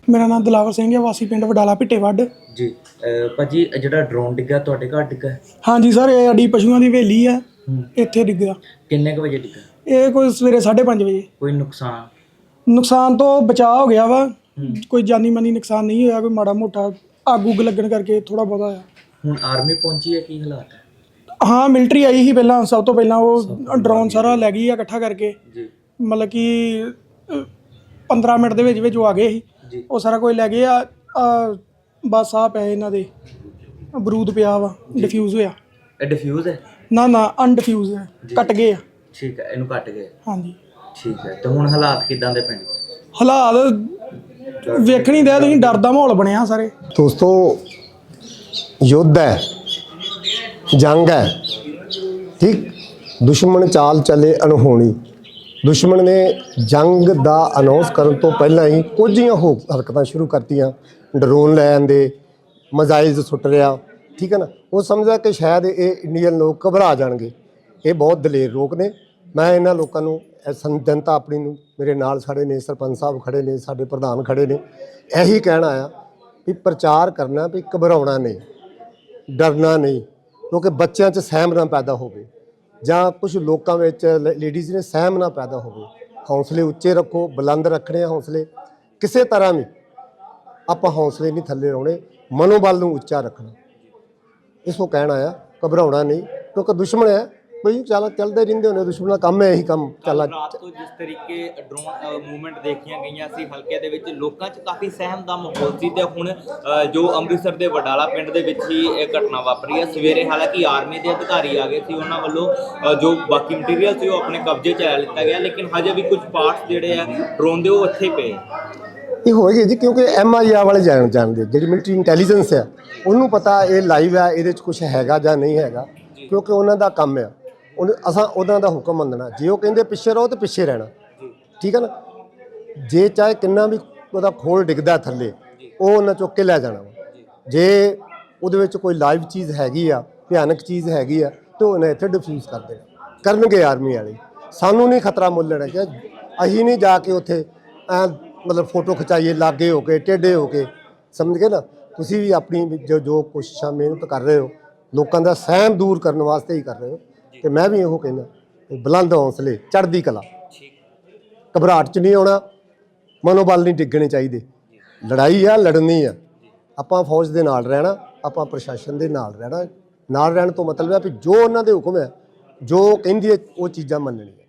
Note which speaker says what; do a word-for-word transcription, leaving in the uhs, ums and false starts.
Speaker 1: मेरा नाम दिलावर सिंह है, वासी पिंड वडाला भिट्टेवड
Speaker 2: जी। भाजी ਜਿਹੜਾ ਡਰੋਨ ਡਿੱਗਾ ਤੁਹਾਡੇ ਘਰ ਡਿੱਗਾ?
Speaker 1: हाँ जी सर, ये साडी पशुओं की हवेली है, ਇੱਥੇ ਡਿੱਗਾ।
Speaker 2: ਕਿੰਨੇ ਕੁ ਵਜੇ ਡਿੱਗਾ?
Speaker 1: ਇਹ ਕੋਈ ਸਵੇਰੇ ਸਾਢੇ ਪੰਜ ਵਜੇ।
Speaker 2: ਕੋਈ ਨੁਕਸਾਨ?
Speaker 1: ਨੁਕਸਾਨ ਤੋਂ ਬਚਾਅ ਹੋ ਗਿਆ ਵਾ, ਕੋਈ ਜਾਨੀ ਮਾਨੀ ਨੁਕਸਾਨ ਨਹੀਂ ਹੋਇਆ, ਕੋਈ ਮਾੜਾ ਮੋਟਾ ਅੱਗ ਉੱਗ ਲੱਗਣ ਕਰਕੇ ਥੋੜਾ ਬਹੁਤਾ ਹੋਇਆ। ਹੁਣ
Speaker 2: ਆਰਮੀ ਪਹੁੰਚੀ ਹੈ, ਕੀ ਹਾਲਾਤ ਹੈ?
Speaker 1: ਹਾਂ ਮਿਲਟਰੀ ਆਈ ਸੀ ਪਹਿਲਾਂ, ਸਭ ਤੋਂ ਪਹਿਲਾਂ ਉਹ ਡਰੋਨ ਸਾਰਾ ਲੈ ਗਈ ਆ ਇਕੱਠਾ ਕਰਕੇ
Speaker 2: ਜੀ।
Speaker 1: ਮਤਲਬ ਕਿ ਪੰਦਰਾਂ ਮਿੰਟ ਦੇ ਵਿੱਚ ਵਿੱਚ ਉਹ ਆ ਗਏ ਸੀ, ਉਹ ਸਾਰਾ ਕੁਝ ਲੈ ਗਏ ਆ। ਬਸ ਆ ਪਏ ਇਹਨਾਂ ਦੇ ਬਰੂਦ ਪਿਆ ਵਾ, ਡਿਫਿਊਜ਼ ਹੋਇਆ।
Speaker 2: ਇਹ ਡਿਫਿਊਜ਼ ਹੈ?
Speaker 1: ਨਾ ਨਾ ਅਨਡਿਫਿਊਜ਼ ਹੈ, ਕੱਟ ਗਏ ਆ।
Speaker 2: ਠੀਕ ਹੈ, ਇਹਨੂੰ ਕੱਟ ਗਏ।
Speaker 1: ਹਾਂਜੀ
Speaker 2: ਠੀਕ ਹੈ। ਤੇ ਹੁਣ ਹਾਲਾਤ ਕਿਦਾਂ ਦੇ ਪਿੰਡ?
Speaker 1: ਹਾਲਾਤ ਵੇਖਣੀ ਦੇ ਤੁਸੀਂ, ਡਰ ਦਾ ਮਾਹੌਲ ਬਣਿਆ ਸਾਰੇ।
Speaker 3: ਦੋਸਤੋ युद्ध है, जंग है, ठीक। दुश्मन चाल चले अनहोनी। दुश्मन ने जंग का अनाउंस करने तो पहला ही कुछ हो हरकत शुरू करतियाँ। ड्रोन लै आंदे, मजाइल सुट रहा, ठीक है ना। वो समझा कि शायद ये इंडियन लोग घबरा जाएंगे। ये बहुत दलेर लोग ने। मैं इन्होंने लोगों जनता अपनी मेरे नाल खड़े ने, सरपंच साहब खड़े ने, साडे प्रधान खड़े ने, यही कहना आया भी प्रचार करना भी घबराना नहीं, डरना नहीं, क्योंकि बच्चों च सहम ना पैदा हो, ਜਾਂ कुछ लोगों में लेडीज़ ने सहम ना पैदा हो। हौसले उच्चे रखो, बुलंद रखने हौसले, किसी तरह भी आप हौसले नहीं थले लाने, मनोबल को उच्चा रखना, इसको कहना आया। घबराना नहीं, क्योंकि दुश्मन है भाई, चल चलते रहते होने, दुश्मन का काम है यही काम चला।
Speaker 2: रात को जिस तरीके ड्रोन मूवमेंट देखिया गई सी हल्के दे विच, लोकां च काफ़ी सहम का माहौल सी। ते हुण जो अमृतसर के वडाला पिंड दे विच ही एक घटना वापरी है। सवेरे हालांकि आर्मी के अधिकारी आ गए सी, उन्हां वल्लों जो बाकी मटीरियल सी वो अपने कब्जे च लै लिता गया, लेकिन हजे भी कुछ पार्ट्स जिहड़े आ ड्रोन दे वो उत्थे पे
Speaker 3: ये होएगी जी, क्योंकि एम आई आर वाले जान जानते, जी मिलिटरी इंटैलीजेंस है, उन्होंने पता ये लाइव है, ये कुछ हैगा जां नहीं हैगा, क्योंकि उन्हों का काम है। उन असां उन्हों का हुक्म मनना, जे वो कहते पिछे रहो तो पिछे रहना, ठीक है ना। जे चाहे किन्ना भी वो खोल डिगदा थले, वो उन्हें चुक के लै जाना। जे वो कोई लाइव चीज़ हैगी आ, भयानक चीज़ हैगी आ, तो उन्हें इत्थे डिफ्यूज़ कर देना करनगे आर्मी वाले। सानू नहीं खतरा मुल लेना कि असीं नहीं जाके उत्थे मतलब फोटो खिचाइए लागे हो के टेढ़े हो के, समझ गए ना। तुसीं भी अपनी जो जो कोशिशां मेहनत कर रहे हो, लोगों का सहम दूर करने वास्ते ही कर रहे हो। तो मैं भी यो कहना बुलंद हौसले, चढ़दी कला, घबराहट च नहीं आना, मनोबल नहीं डिगने चाहिए। लड़ाई आ लड़नी आ, आपां फौज के नाल रहना, आपां प्रशासन के नाल रहना। नाल रहने तो मतलब है भी जो उन्होंने हुक्म है, जो कहंदी है वो चीज़ां मननियां।